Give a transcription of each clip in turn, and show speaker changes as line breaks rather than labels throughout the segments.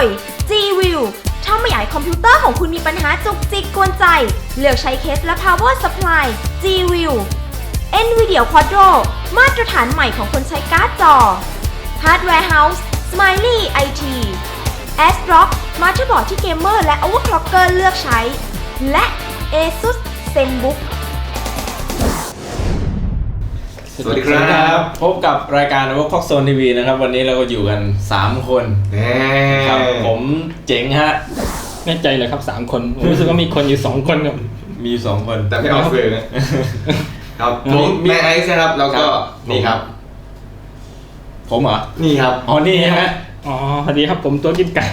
ย G-View ถ้าไม่อยากให้คอมพิวเตอร์ของคุณมีปัญหาจุกจิกกวนใจเลือกใช้เคสและ Power Supply G-View NVIDIA Quadro มาตรฐานใหม่ของคนใช้การ์ดจอ Hardware House Smiley IT ASRock มาตเตอร์บอร์ดที่เกมเมอร์และ Overclocker เลือกใช้ และ ASUS ZenBook
สวัสดีครับ
พบกับรายการ Overclock Zone TV นะครับวันนี้เราก็อยู่กัน3คนครับผมเจ๋งฮะ
แน่ใจเลยครับ3คนผมรู้สึกว่ามีคนอยู่2คนครับ
มี2คน
แต่ไม่ออกเฟรมนะครับผมแม่ไอซ์นะครับแล้วก็นี่ครับ
ผมเหรอ
นี่ครับ
อ๋อนี่ใช่ไหม
อ๋อสวัสดีครับผมตัวกินไก่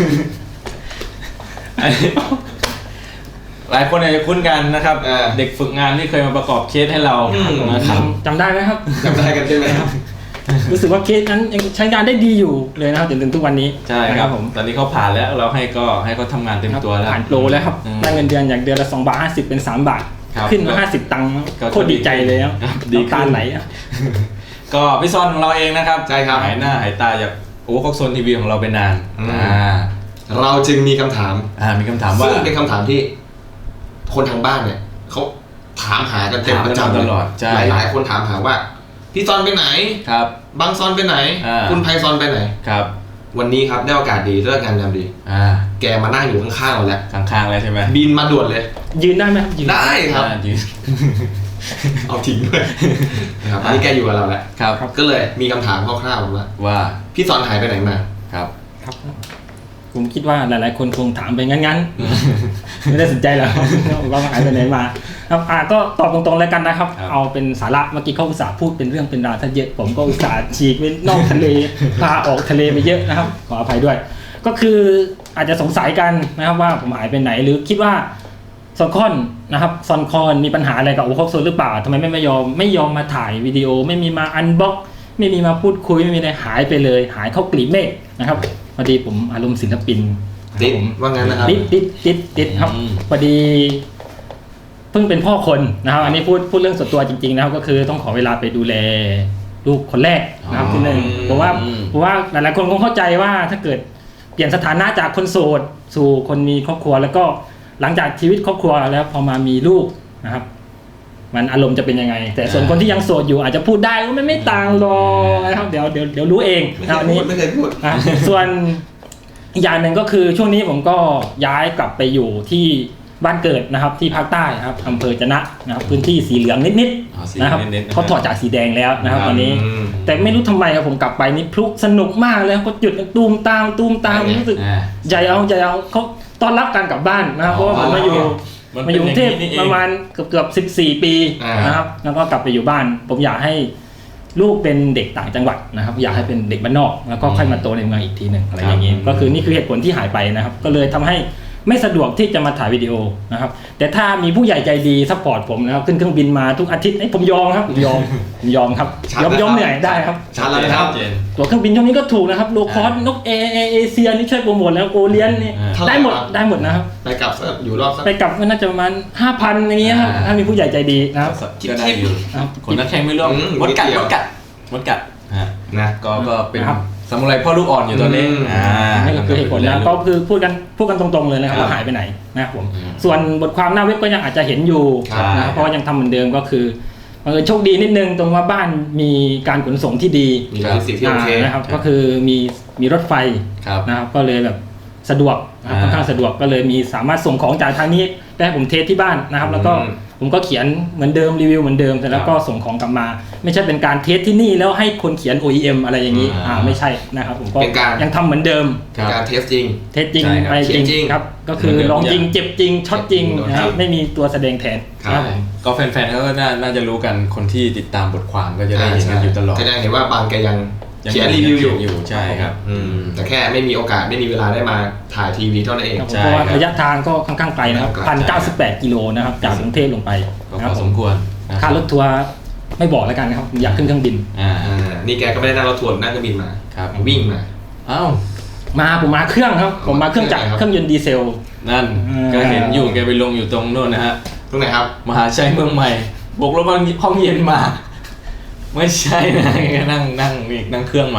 หลายคนอาจจะคุ้นกันนะครับเด็กฝึกงานที่เคยมาประกอบเคสให้เรานะครับ
จำได้ไหมครับ
จำได้กันใช่ไหมครับ
รู้สึกว่าเคสนั้นยังใช้งานได้ดีอยู่เลยนะครับจนถึงทุกวันนี้
ใช่ครับผมตอนนี้เขาผ่านแล้วเราให้เขาทำงานเต็มตัวแล้ว
ผ่านโปรแล้วครับได้เงินเดือนอย่างเดือนละ2.50 บาทเป็น3 บาทขึ้นมา50 ตังค์โคตรดีใจเลยครับดีตาไหล
ก็พี่ซอนของเราเองนะครับ
ใช่ครับ
หายหน้าหายตาจากOverclock Zone TVของเราไปนาน
เราจึงมีคำถาม
ว่า
ซึ่งเป็นคำถามที่คนทางบ้านเนี่ยเขาถามหากันเต็มประจำ
ตลอด
หลายคนถามหาว่าพี่ซอนไปไหน
ครับ
บางซอนไปไหนคุณไพซอนไปไหน
ครับ
วันนี้ครับได้โอกาสดีเลิกงานยามดีแกมานั่งอยู่ข้างๆเราแล้ว
ข้างๆแล้วใช่ไหม
บินมาด่วนเลย
ยืนได้ไหม
ยืนได้ครับ
ยืน
เอาทิ้งด้วยนะครับอันนี้แกอยู่กับเราแล้ว
ครับ
ก็เลยมีคำถามคร่าวๆว่าพี่ซอนหายไปไหนมา
ครับ
ผมคิดว่าหลายๆคนคงถามไปงั้นๆไม่ได้สนใจหรอกว่าหายไปไหนมาครับก็ตอบตรงๆแล้วกันนะครับเอาเป็นสาระเมื่อกี้เขาอุตส่าห์พูดเป็นเรื่องเป็นราวซะเยอะผมก็อุตส่าห์ฉีกไปนอกทะเลพาออกทะเลไปเยอะนะครับขออภัยด้วยก็คืออาจจะสงสัยกันนะครับว่าผมหายไปไหนหรือคิดว่าซอนคอนนะครับซอนคอนมีปัญหาอะไรกับOverclock Zoneหรือเปล่าทำไมไม่ยอมมาถ่ายวิดีโอไม่มีมาอันบ็อกไม่มีมาพูดคุยไม่มีอะไรหายไปเลยหายเข้ากลีบเมฆนะครับพอดีผมอารมณ์ศิลปิน
ติดว่างั้นนะครับ
ติดครับพอดีเพิ่งเป็นพ่อคนนะครับอันนี้พูดเรื่องส่วนตัวจริงๆนะครับก็คือต้องขอเวลาไปดูแลลูกคนแรกนะครับที่นึงเพราะว่าหลายๆคนคงเข้าใจว่าถ้าเกิดเปลี่ยนสถานะจากคนโสดสู่คนมีครอบครัวแล้วก็หลังจากชีวิตครอบครัวแล้วพอมามีลูกนะครับมันอารมณ์จะเป็นยังไงแต่ส่วนคนที่ยังโสดอยู่อาจจะพูดได้ว่ามันไม่ต่างหรอกนะครับเดี๋ยวรู้เอง
อันนี้ไม่เคยพูด
ส่วนอีกอย่างหนึ่งก็คือช่วงนี้ผมก็ย้ายกลับไปอยู่ที่บ้านเกิดนะครับที่ภาคใต้ครับอำเภอจะนะนะครับพื้นที่สีเหลืองนิดๆนะครับเขาถอดจากสีแดงแล้วนะครับตอนนี้แต่ไม่รู้ทำไมครับผมกลับไปนี่พลุสนุกมากเลยก็จุดตูมตามรู้สึกใหญ่เอาเขาต้อนรับการกลับบ้านนะครับเพราะว่าผมมาอยู่กรุงเทพประมาณเกือบ14 ปีนะครับแล้วก็กลับไปอยู่บ้านผมอยากให้ลูกเป็นเด็กต่างจังหวัดนะครับอยากให้เป็นเด็กบ้านนอกแล้วก็ค่อยมาโตในเมืองอีกทีหนึ่งอะไรอย่างนี้ก็คือนี่คือเหตุผลที่หายไปนะครับก็เลยทำให้ไม่สะดวกที่จะมาถ่ายวิดีโอนะครับแต่ถ้ามีผู้ใหญ่ใจดีซัพพอร์ตผมนะครับขึ้นเครื่องบินมาทุกอาทิตย์ผมยอมครับผมยอมครับยอมเหนื่อยได้ครับ
ชัดเลยครับ
ตัวเครื่องบินช่วงนี้ก็ถูกนะครับโลคอสนกเอเชียนี่ช่วยโปรโมทแล้วโอเลียนนี่ได้หมดนะครับ
ไปกลับอยู่รอบ
ไปกลับก็น่าจะประมาณ 5,000 อย่างเงี้ยครับถ้ามีผู้ใหญ่ใจดีนะครับ
ก็ได้อยู่คนนักแข่งไม่ร่วมมดกัดนะก็เป็นสมุไรพ่อลูกอ่อนอยู่ตอนนี้
นี่ก็คือเหตุผลนะก็คือพูดกันตรงๆเลยนะครับว่าหายไปไหนนะครับผมส่วนบทความหน้าเว็บก็ยังอาจจะเห็นอยู่นะเพราะยังทำเหมือนเดิมก็คือโชคดีนิดนึงตรงว่าบ้านมีการขนส่งที่ดีนะครับก็คือมีรถไฟนะครับก็เลยแบบสะดวกค่อนข้างสะดวกก็เลยมีสามารถส่งของจากทางนี้ได้ผมเทสที่บ้านนะครับแล้วก็ผมก็เขียนเหมือนเดิมรีวิวเหมือนเดิมแต่แล้วก็ส่งของกลับมาไม่ใช่เป็นการเทสที่นี่แล้วให้คนเขียน OEM อะไรอย่างนี้ไม่ใช่นะครับผมก็ยังทำเหมือนเดิม
การเทสจริง
ไปจริงครับก็คือลองจริงเจ็บจริงช็อตจริงนะครับไม่มีตัวแสดงแทน
ครับก็แฟนๆเขาก็น่าจะรู้กันคนที่ติดตามบทความก็จะได้เห็นกันอยู่ตลอด
ก็จะเห็นว่าบางแกยังเขียนรีวิวอยู่
ใช่ครับ
แต่แค่ไม่มีโอกาสไม่มีเวลาได้มาถ่ายทีวีเท่านั้นเอง
เพราะว่าระยะทางก็ค่อนข้างไกลนะครับ1,098 กิโลนะครับจากกรุงเทพลงไป
พอสมควร
ค่ารถทัวร์ไม่บอกแล้วกันนะครับอยากขึ้นเครื่องบิน
นี่แกก็ไม่ได้นั่งรถทัวร์นั่งเครื่องบินมาวิ่งมา
ผมมาเครื่องครับผมมาเครื่องจักรเครื่องยนต์ดีเซล
นั่นก็เห็นอยู่แกไปลงอยู่ตรงโน่นนะฮะ
ตรงไหนครับ
มหาชัยเมืองใหม่บกรถห้องเย็นมาไม่ใช่นะนั่งเครื่องมา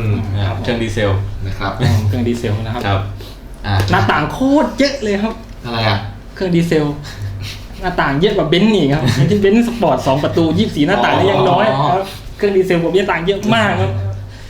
นะครับเครื่องดีเซล
นะครับ
เครื่องดีเซลนะครับ
ครับ
หน้าต่างโคตรเยอะเลยครับ
อะไรอ่ะ
เครื่องดีเซล หน้าต่างเยอะกว่าเบนซ์นี่ครับที่เบนซ์สปอร์ต2ประตู24หน้าต่างนี่ยังน้อยครับเครื่องดีเซลผมหน้าต่างเยอะมากครับ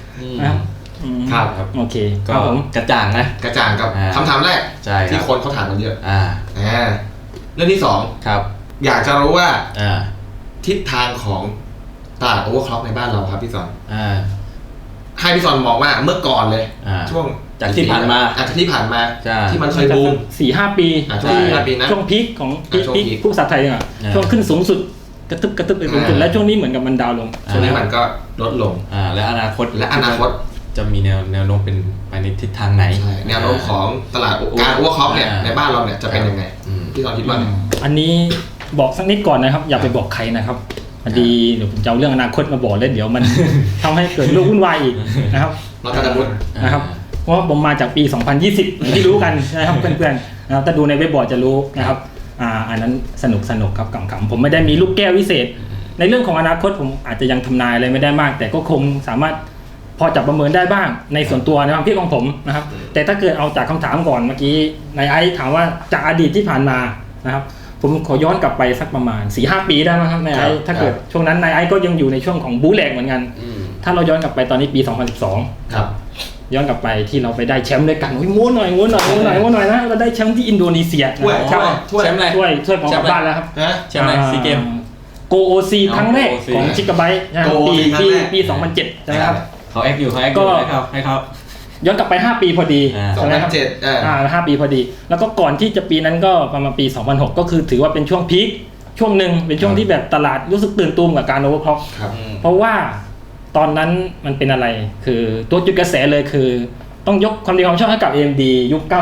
ครับ
โอเค
ก็
ครับผม
กระจ่างนะ
กระจ่างกับคำถามแรก
ใช่ครับ
ที่คนเขาถามกันเยอะ
อ่า
เรื่องที่สอง
ครับ
อยากจะรู้ว่า
อ่า
ทิศทางของตลาดโอเวอร์คล็อกในบ้านเราครับพี่สอน ให้พี่สอนมองว่าเมื่อก่อนเลย ช่วง
จากที่ผ่านมา
จากที่ผ่านมา
ใช่
ที่มันเคยบูม
4-5 ปี
ใช่4-5 ปีนะ
ช่วงพีคของ
ช่วง
พีค
พีค
ผู้ภาษาไทยอ่ะช่วงขึ้นสูงสุดกระตึบไปสูงสุดแล้วช่วงนี้เหมือนกับมันดาวลง
ช่วงนี้มันก็ลดลง
และอนาคต
จะ
มีแนวโน้มเป็นไปในทิศทางไหน
แนวโน้มของตลาดการโอเวอร์คล็อกเนี่ยในบ้านเราเนี่ยจะเป็นยังไงพี่สอนคิดว่าไง
อันนี้บอกสักนิดก่อนนะครับอย่าไปบอกใครนะครับพอดีเดี๋ยวผมจะเอาเรื่องอนาคตมาบอกแล้วเดี๋ยวมัน ทำให้เกิดเรื่องวุ่นวายอีกนะครับ
เราจะพูด
นะครับเพราะว่าผมมาจากปี 2020อย่างที่รู้กันนะครับเพื่อนๆนะครับถ้าดูในเว็บบอร์ดจะรู้นะครับอันนั้นสนุกครับขำๆผมไม่ได้มีลูกแก้ววิเศษ ในเรื่องของอนาคตผมอาจจะยังทำนายอะไรไม่ได้มาก แต่ก็คงสามารถพอจับประเมินได้บ้างในส่วนตัวในความคิดของผมนะครับแต่ถ้าเกิดเอาจากคำถามก่อนเมื่อกี้นายไอซ์ถามว่าจากอดีตที่ผ่านมานะครับผมขอย้อนกลับไปสักประมาณ 4-5 ปีได้ไหมครับนายไอซ์ถ้าเกิดช่วงนั้นนายไอซ์ก็ยังอยู่ในช่วงของบู๊แหลกเหมือนกันถ้าเราย้อนกลับไปตอนนี้ปี 2012
ครับ
ย้อนกลับไปที่เราไปได้แชมป์ด้วยกันม้วนหน่อยนะเราได้แชมป์ที่อินโดนีเซีย
ถ้วยแชมป์อะไร
ถ้วยของกลับบ้านแล้วครับ
แชมป์อะไรซีเกม
โกโอซีครั้งแรกของชิคาไบต์ปี 2007ใช่ไหมครับ
เขาแอคอยู่ให้เขา
ย้อนกลับไป5 ปีพอดีใช่ไหมครับ
2007
5 ปีพอดี แล้วก็ก่อนที่จะปีนั้นก็ประมาณปี 2006 ก็คือถือว่าเป็นช่วงพีคช่วงหนึ่งเป็นช่วงที่แบบตลาดรู้สึกตื่นตูมกับการโอเวอร์คล็อกเพราะว่าตอนนั้นมันเป็นอะไรคือตัวจุดกระแสเลยคือต้องยกความดีความชอบให้กับ AMD ยุค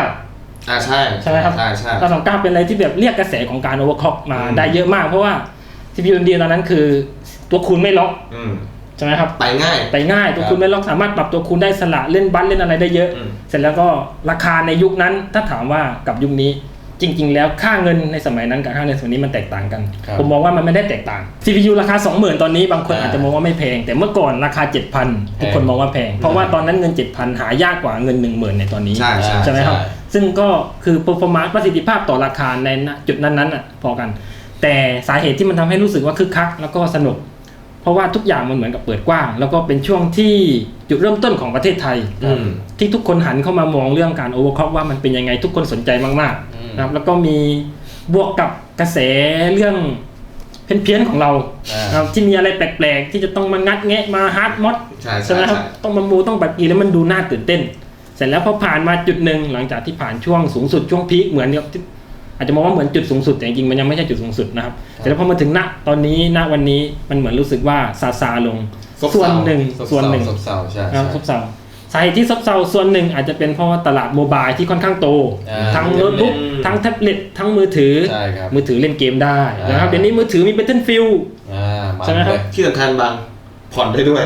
929ใช่ไหมครับ929เป็นอะไรที่แบบเรียกกระแสของการโอเวอร์คล็อกมาได้เยอะมากเพราะว่า CPU AMD ตอนนั้นคือตัวคูณไม่ล็อกใช่ไหมครับไปง่ายตัวคูณไม่ล็อกสามารถปรับตัวคูณได้สละเล่นบัสเล่นอะไรได้เยอะเสร็จแล้วก็ราคาในยุคนั้นถ้าถามว่ากับยุคนี้จริงๆแล้วค่าเงินในสมัยนั้นกับค่าเงินสมัยนี้มันแตกต่างกันผมมองว่ามันไม่ได้แตกต่าง CPU ราคา 20,000 ตอนนี้บางคนอาจจะมองว่าไม่แพงแต่เมื่อก่อนราคา 7,000 ทุกคนมองว่าแพงเพราะว่าตอนนั้นเงิน 7,000 หายากกว่าเงิน 10,000 ในตอนนี้ใช่ไหมครับซึ่งก็คือ performance ประสิทธิภาพต่อราคาในจุดนั้นๆอ่ะพอกันแต่สาเหตุที่มันทำให้รู้สึกว่าคึกคักแล้วก็สนุกเพราะว่าทุกอย่างมันเหมือนกับเปิดกว้างแล้วก็เป็นช่วงที่จุดเริ่มต้นของประเทศไทยที่ทุกคนหันเข้ามามองเรื่องการโอเวอร์คล็อกว่ามันเป็นยังไงทุกคนสนใจมากๆนะครับแล้วก็มีบวกกับกระแสเรื่องเพี้ยนๆของเราที่มีอะไรแปลกๆที่จะต้องมางัดแงะมาฮาร์ดมอดใช่ไหมครับต้องมามูต้องแบบกี่แล้วมันดูน่าตื่นเต้นเสร็จแล้วพอผ่านมาจุดหนึ่งหลังจากที่ผ่านช่วงสูงสุดช่วงพีคเหมือนกับอาจจะมองว่าเหมือนจุดสูงสุดแต่จริงๆมันยังไม่ใช่จุดสูงสุดนะครับแต่แล้วพอมาถึงตอนนี้วันนี้มันเหมือนรู้สึกว่าซาลงส่วนหนึ่งซบเซาใช่ซบเซาสาเหตุที่ซบเซาส่วนหนึ่งอาจจะเป็นเพราะว่าตลาดโมบายที่ค่อนข้างโตทั้งโน้ตบุ๊กทั้งแท็บเล็ตทั้งมือถือเล่นเกมได้นะครับเดี๋ยวนี้มือถือมี Battlefield ใช่ไหมครับ
ที่สำคัญบางผ่อนได้ด้วย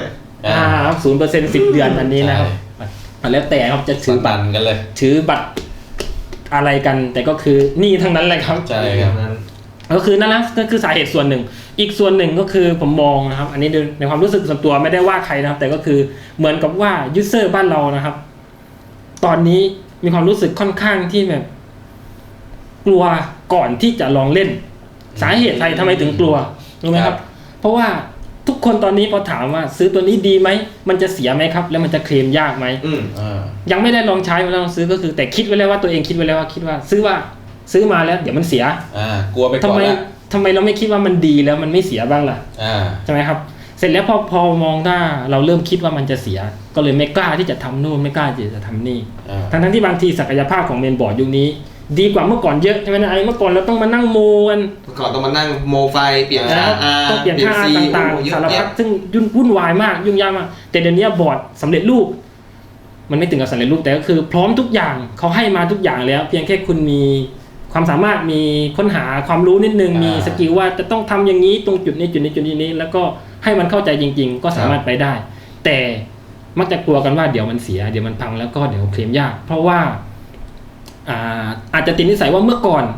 0% 10 เดือนอันนี้นะครับแล้วแต่ครับจะถือบัตร
กันเลย
ถือบัตรอะไรกันแต่ก็คือนี่ทั้งนั้นแหละครับ
ใช่ครับ
ก็คือนั่นแหละก็คือสาเหตุส่วนหนึ่งอีกส่วนหนึ่งก็คือผมมองนะครับอันนี้ในความรู้สึกส่วนตัวไม่ได้ว่าใครนะครับแต่ก็คือเหมือนกับว่ายูเซอร์บ้านเรานะครับตอนนี้มีความรู้สึกค่อนข้างที่แบบกลัวก่อนที่จะลองเล่นสาเหตุใครทำไมถึงกลัวรู้ไหมครับเพราะว่าทุกคนตอนนี้พอถามว่าซื้อตัวนี้ดีไหมมันจะเสียไหมครับแล้วมันจะเคลมยากไหมยังไม่ได้ลองใช้ไม่ได้ลองซื้อก็คือแต่คิดไว้แล้วว่าตัวเองคิดไว้แล้วว่าคิดว่าซื้อมาแล้วเดี๋ยวมันเสีย
กลัวไปก่อนแล้ว
ทำไมเราไม่คิดว่ามันดีแล้วมันไม่เสียบ้างล่ะใช่ไหมครับเสร็จแล้วพอมองถ้าเราเริ่มคิดว่ามันจะเสียก็เลยไม่กล้าที่จะทำนู่นไม่กล้าที่จะทำนี่ทั้งที่บางทีศักยภาพของเมนบอร์ดยุคนี้ดีกว่าเมื่อก่อนเยอะใช่ไหมนะเมื่อก่อนเราต้องมานั่งโมกัน
เมื่อก่อนต้องมานั่งโมไฟเปลี่ยนค่า
ต้องเปลี่ยนค่าต่างๆสารพัดซึ่งวุ่นวายมากยุ่งยากมากแต่เดี๋ยวนี้บอร์ดสำเร็จรูปมันไม่ถึงกับสำเร็จรูปแต่ก็คือพร้อมทุกอย่างเขาให้มาทุกอย่างแล้วเพียงแค่คุณมีความสามารถมีค้นหาความรู้นิดนึงมีสกิลว่าจะต้องทำอย่างนี้ตรงจุดนี้แล้วก็ให้มันเข้าใจจริงๆก็สามารถไปได้แต่มักจะกลัวกันว่าเดี๋ยวมันเสียเดี๋ยวมันพังแล้วก็เดี๋ยวเคลมยากเพราะว่าอาจจะติดนิสัยว่าเมื่อก่อนนะครับ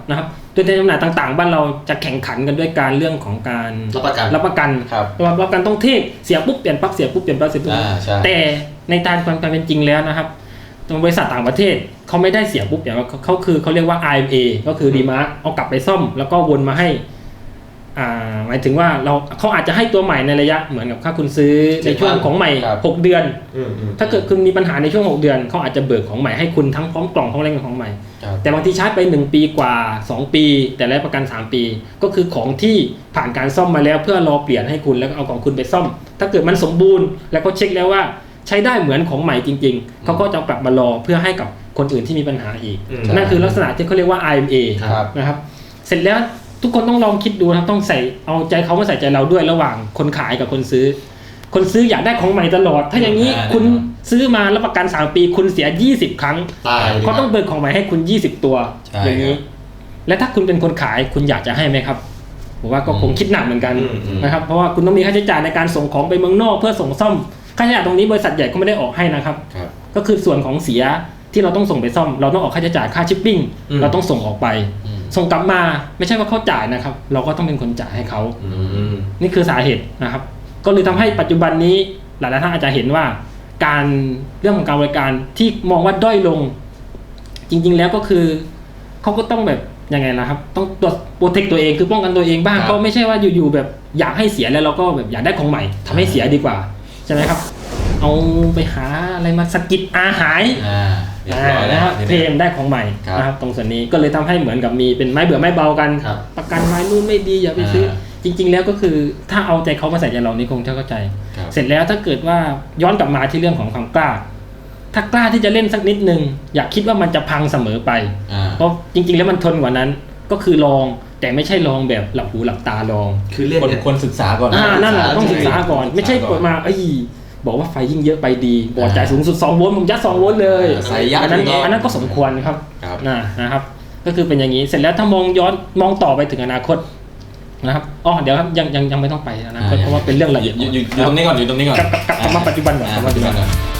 ตัวแทนจำหน่ายต่างๆบ้านเราจะแข่งขันกันด้วยการเรื่องของการ
รับประกัน
ครับ
รับประกันต้องเทพเสียปุ๊บเปลี่ยนปั๊บเสียปุ๊บเปลี่ยนปั๊บเสียปุ๊บ
ใช่
แต่ในทางความเป็นจริงแล้วนะครับตรงบริษัทต่างประเทศเขาไม่ได้เสียปุ๊บอย่างเขาเรียกว่า IMA ก็คือรีมาร์คเอากลับไปซ่อมแล้วก็วนมาให้หมายถึงว่าเขาอาจจะให้ตัวใหม่ในระยะเหมือนกับถ้าคุณซื้อในช่วงของใหม่6 เดือนถ้าเกิดคุณมีปัญหาในช่วง6 เดือนเขาอาจจะเบิกของใหม่ให้คุณทั้งพร้อมกล่องพร้อมอะไรของใหม่แต่บางทีชาร์จไป1 ปีกว่า2 ปีแต่ได้ประกัน3 ปีก็คือของที่ผ่านการซ่อมมาแล้วเพื่อรอเปลี่ยนให้คุณแล้วก็เอาของคุณไปซ่อมถ้าเกิดมันสมบูรณ์แล้วก็เช็คแล้วว่าใช้ได้เหมือนของใหม่จริงๆเขาก็จะกลับมารอเพื่อให้กับคนอื่นที่มีปัญหาอีกนั่นคือลักษณะที่เขาเรียกว่า IMA นะครับเสร็จแล้วทุกคนต้องลองคิดดูนะครับต้องใส่เอาใจเขามาใส่ใจเราด้วยระหว่างคนขายกับคนซื้อคนซื้ออยากได้ของใหม่ตลอดถ้าอย่างนี้คุณซื้อมารับประกัน3 ปีคุณเสีย20 ครั้งเขาต้องเบิกของใหม่ให้คุณ20 ตัวอย่างนี้และถ้าคุณเป็นคนขายคุณอยากจะให้ไหมครับผมว่าก็คงคิดหนักเหมือนกันนะครับเพราะว่าคุณต้องมีค่าใช้จ่ายในการส่งของไปเมืองนอกเพื่อส่งซ่อมค่าใช้จ่ายตรงนี้บริษัทใหญ่ก็ไม่ได้ออกให้นะครับก็คือส่วนของเสียที่เราต้องส่งไปซ่อมเราต้องออกค่าใช้จ่ายค่าชิปปิ้งเราต้องส่งออกไปส่งกลับมาไม่ใช่ว่าเขาจ่ายนะครับเราก็ต้องเป็นคนจ่ายให้เขานี่คือสาเหตุนะครับก็เลยทำให้ปัจจุบันนี้หลายๆท่านอาจจะเห็นว่าการเรื่องของการบริการที่มองว่าด้อยลงจริงๆแล้วก็คือเขาก็ต้องแบบยังไงล่ะครับต้องตัวโปรเทคตัวเองคือป้องกันตัวเองบ้างก็ไม่ใช่ว่าอยู่ๆแบบอยากให้เสียแล้วเราก็แบบอยากได้ของใหม่ทำให้เสียดีกว่าใช่ไหมครับเอาไปหาอะไรมาสกิดหายนะครับเพลมได้ของใหม่นะครับตรงส่วนนี้ก็เลยทำให้เหมือนกับมีเป็นไม้เบื่อไม้เบากันประกันไม้นู่นไม่ดีอย่าไปซื้อจริงๆแล้วก็คือถ้าเอาใจเขามาใส่ใจเรานี่คงจะเข้าใจเสร็จแล้วถ้าเกิดว่าย้อนกลับมาที่เรื่องของความกล้าถ้ากล้าที่จะเล่นสักนิดนึงอย่าคิดว่ามันจะพังเสมอไปเพราะจริงๆแล้วมันทนกว่านั้นก็คือลองแต่ไม่ใช่ลองแบบหลับหูหลับตาลอง
คือเล่น
คนศึกษาก่อน
นั่นแหละต้องศึกษาก่อนไม่ใช่เปิดมาบอกว่าไฟยิ่งเยอะไปดีบอกจ่ายสูงสุด2 โวลต์ผมยัด2 โวลต์เลยอันนั้นก็สมควรครับนะครับก็คือเป็นอย่างนี้เสร็จแล้วถ้ามองต่อไปถึงอนาคตนะครับเดี๋ยวครับยังไม่ต้องไปอนาคตเพราะว่าเป็นเรื่องละเอียด
อยู่ตรงนี้ก่อนกลับ
มาปัจจุบันก่อน